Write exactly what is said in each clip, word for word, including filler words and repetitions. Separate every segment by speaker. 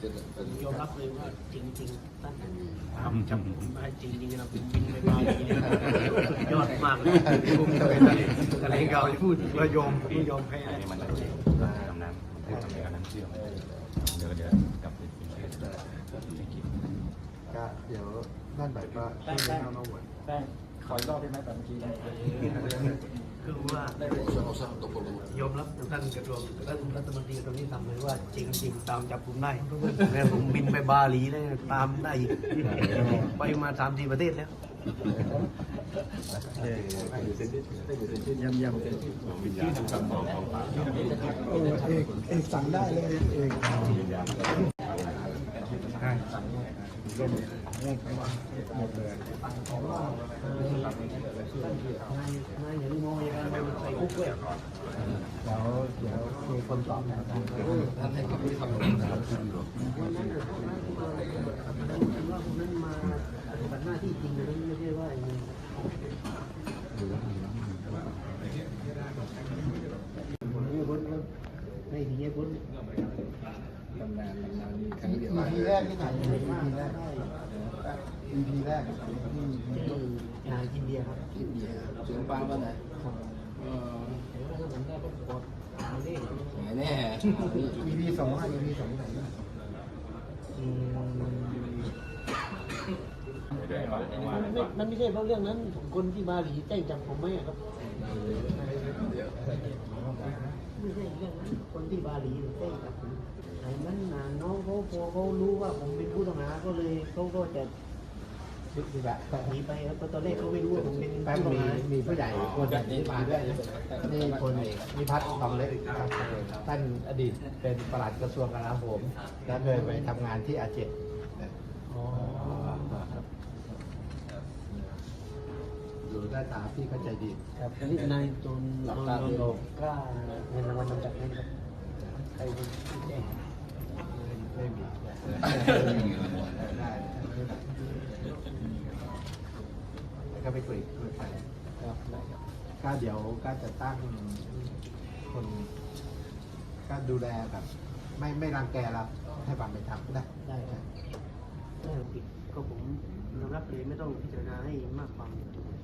Speaker 1: ผมยอมรับเลยว่าจริงๆท่านทำจับผมได้จริงๆนะผมบินไปบาหลีเนี่ยยอดมากเลยอะไรเก่าจะพูดว่ายอมไม่ยอมแพ้อันนี้มันจะดำน้ำให้ทำในการนั้นเชื่อมเดี๋ยวเดี๋ยวกลับไปกินเทส
Speaker 2: ก็เดี๋ยวนั่นแบบว่าไม่เอามาหมด
Speaker 3: แป้งขออีกรอบได้ไหมแบบเมื่อกี้
Speaker 1: คือว่ายอมรับท่านกระทรวงท่านรัฐมนตรีตรงนี้ทำเลยว่าจริงๆตามจับผมได้แล้วผมบินไปบาหลีได้ตามได้ไปมาสามสี่ประเทศแล้ว
Speaker 2: ยำยำเต็มที่เอกเอกสั่งได้เลยเอกหมดเลย
Speaker 1: นายอย่างนี้มองยังไงใส่คุกเลย
Speaker 2: แล้วเดี๋ยวมีคนตอบนะท่านให้คำที่ทำวันนั้นวันนั้น
Speaker 1: ว่าคนนั้นมาปฏิบัติหน้าที่จริงนะไม่ใช่ว่าอย่างนี้ผมไม่พ้นไม่ดีไม่พ้น
Speaker 2: ตำนานตำนานครั้งเดียวทีแรกที่ไหนทีแรกอีพีแรกที่
Speaker 1: นายกินเบียร์ครับ
Speaker 2: กินเบียร์เสียงฟังว่าไง
Speaker 1: เออเดี๋ยวถ้าผมได้ก็กดเอาดิ
Speaker 2: แน่อีพีสองอ่ะอีพีสองไหน
Speaker 1: มันไม่ใช่เพราะเรื่องนั้นคนที่บาหลีแจ้งจับผมไหมครับไม่ใช่เรื่องนั้นคนที่บาหลีแจ้งจับผมไอ้นั้นน้องเขาพอเขารู้ว่าผมเป็นผู้ต้องหาก็เลยเขาก็จะหนีไปครับตอนแรกเขาไม่รู้ว่าผมเป็นผู้ต้องหา
Speaker 2: มีผู้ใหญ่คนนี้มาด้วยนี่คนนิพัฒน์ทองเล็กท่านอดีตเป็นปลัดกระทรวงกลาโหมและเคยไปทำงานที่อาเจกอยู่ใต้ตาพี่เข้าใจดี
Speaker 1: ครับนี่นายจนหลับตาโลกกล้าเงินรางวัลนำจับให้ครับใครเป็นผู้แจ้ง
Speaker 2: ไม่มีก็ไปคุยคุยไปครับได้ครับก็เดี๋ยวก็จะตั้งคนก็ดูแลแบบไม่ไม่รังแกเราให้ความเป็นธรรมได้
Speaker 1: ได้ครับถ้าผิดก็ผมยอมรับเลยไม่ต้องพิจารณาให้มากความ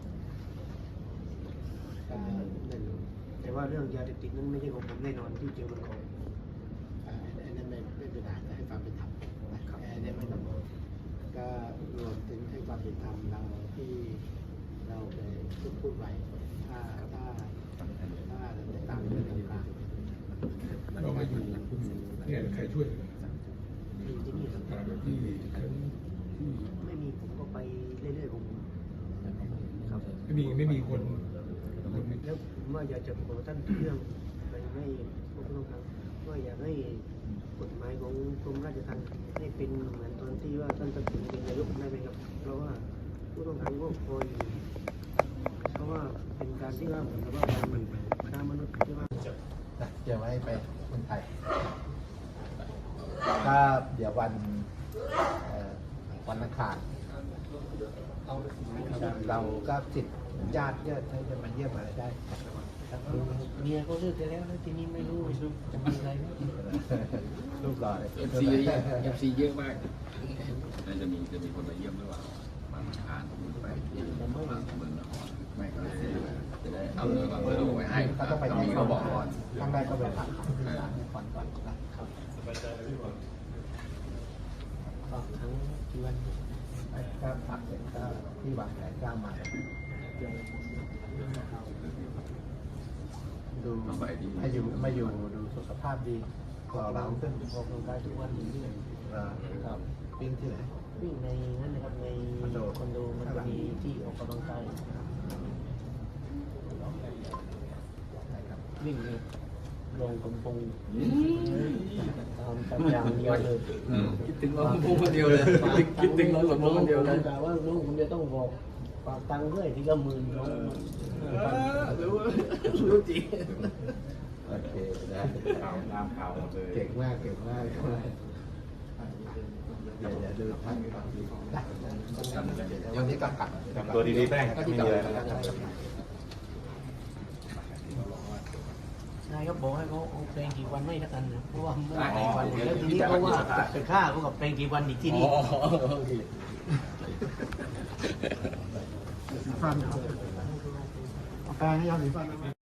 Speaker 1: แต่ว่าเรื่องยาเสพติดนั้นไม่ใช่ของผมแน่นอนที่เกี่ยวกับของ
Speaker 2: อันนั้นไม่ไม่เป็นไรให้ความเป็นธรรมนะครับอันนี้ไม่ต้องก็รวมถึงให้ความเป็นธรรมเราที่เราไปพูดพูดไว้ถ้าถ้าถ้าในตามเรื่องต่างๆ
Speaker 4: เรามาอยู่เนี่ยใครช่วย
Speaker 1: อยู่ที่นี่ครับ
Speaker 4: ที่
Speaker 1: ไม่มีผมก็ไปเรื่อยๆผม
Speaker 4: ครับไม่มีไม่มีคน
Speaker 1: แล้วผมว่าอยากจะขอท่านเรื่องไปให้พวกเราครับว่าอยากให้กฎหมายของกรมราชทัณฑ์ให้เป็นเหมือนตอนที่ว่าท่านตัดสินเป็นนายกได้ไหมครับเพราะว่าผู้ต้องขังก็พออยู่เพราะว่าเป็นการที่ว่าเหมือนกับว่าการมันค้ามนุษย์ที่ว่า
Speaker 2: เดี๋ยวให้ไปคนไทยก็เดี๋ยววันวันอังคารเราก็ติดญาติเยอะจะมาเยี่ยมอะไรได้
Speaker 1: เมียเขาเลิกไปแล้วแล้วทีนี้ไม่รู้จะมีอะไรไหม
Speaker 2: รูปหล่อ
Speaker 3: เอฟซีเยอะเอฟซีเยอะมากน่าจะมีจะมีคนมาเยี่ยมหรือเปล่ามาอ่านผมไปที่ผมไม่มาเมืองนครไม่ก็เลยจะได้เอาเรื่องเรื่องไว้ให้
Speaker 2: เขาต้องไปที่เขาบอกก่อนข้างแรกก็ไปพักที่ศาลนครก่อนนะครับ
Speaker 1: ฝากทั้งกี่วัน
Speaker 2: ก็พักเสร็จก็ที่วางแผนก้าวมาดูมาอยู่มาอยู่ดูสุขภาพดีกว่าเราขึ้น
Speaker 1: ออกกำลังกายทุกวันนี้เลย
Speaker 2: ครับวิ่งที่ไหน
Speaker 1: วิ่งในนั่นนะครับในคอนโดคอนโดมันจะมีที่ออกกำลังกายวิ่งเลยลงกำปงตามตามอย่างเดียวเลย
Speaker 3: คิดถึงเราพงคนเดียวเลยคิดถึงเราสมมติคนเดียวเลย
Speaker 1: แต่ว่าน้องผมจะต้องบอกฝากตังค์ด้วยที่ละหมื่นน้อง
Speaker 3: รู้รู้จริง
Speaker 2: โอเคได้
Speaker 4: ข่าวตามข่าวเลย
Speaker 2: เก่งมากเก่งมากเดี๋ยวเดี๋ยวดูท่านวันนี้ก็กลับ
Speaker 4: ตัวดีๆแป้งไม่มีอะไร
Speaker 1: ได้ายก็บอกให้เขาเอาเพลงกี่วันไม่ละกันนะเพราะว่าไม่ได้กี่วันแล้วทีนี้เขาว่าไปฆ่าเขากับเพลงกี่วันอีกที่นี่
Speaker 2: ฟันเอาแปลงให้ยอดสีฟัน